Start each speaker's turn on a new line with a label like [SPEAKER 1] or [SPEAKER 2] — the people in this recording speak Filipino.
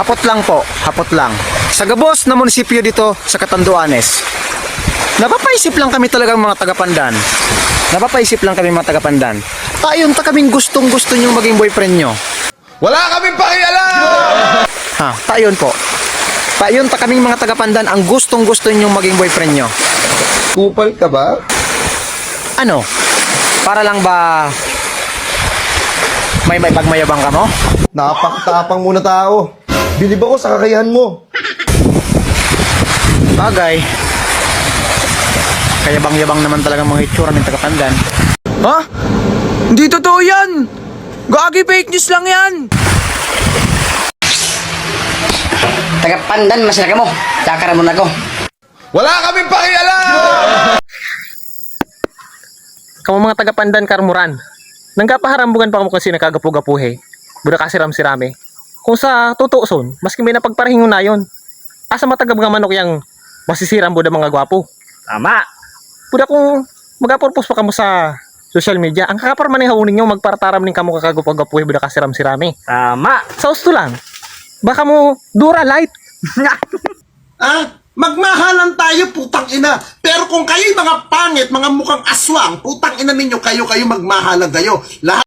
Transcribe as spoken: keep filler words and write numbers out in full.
[SPEAKER 1] Hapot lang po, hapot lang. Sa gabos na munisipyo dito sa Catanduanes. Napapaisip lang kami talagang mga taga-Pandan. Napapaisip lang kami mga taga-Pandan. Tayon ta kaming gustong gusto nyo maging boyfriend nyo.
[SPEAKER 2] Wala kaming pakialam!
[SPEAKER 1] Ha, tayon po. Tayon ta kaming mga taga-Pandan ang gustong gusto nyo maging boyfriend nyo.
[SPEAKER 2] Kupal ka ba?
[SPEAKER 1] Ano? Para lang ba may may pagmayabang ka mo?
[SPEAKER 2] Napakatapang muna tao. Bilib ako sa kakayahan mo.
[SPEAKER 1] Bagay. Kaya bang-yabang naman talaga mga itsura ng taga-Pandan.
[SPEAKER 3] Ha? Hindi totoo yan! Gagi, fake news lang yan!
[SPEAKER 4] Taga-Pandan, masira ka mo. Dakara mo na ko.
[SPEAKER 2] Wala kaming pakialam!
[SPEAKER 3] Kamu mga taga-Pandan Karmuran. Nangkapaharambugan pa kamo kasi nakagapu-gapuhe. Buda kasi ram-sirame. Kung sa totoo son, maski may napagparahingon na yon. Asa matagab nga manok yang masisiram buda mga gwapo.
[SPEAKER 4] Tama.
[SPEAKER 3] Buda kung magapurpos pa kamo sa social media, ang kakaparman ng haunin nyo magparataram ning kamo kagapu-gapuhe buda kasi ram-sirame.
[SPEAKER 4] Tama.
[SPEAKER 3] Sa usto lang, baka mo dura light.
[SPEAKER 5] Ah, magmahalan tayo, putang ina. Pero kung kayo'y mga pangit, mga mukhang aswang, putang ina ninyo, kayo, kayo magmahalan kayo. Lahat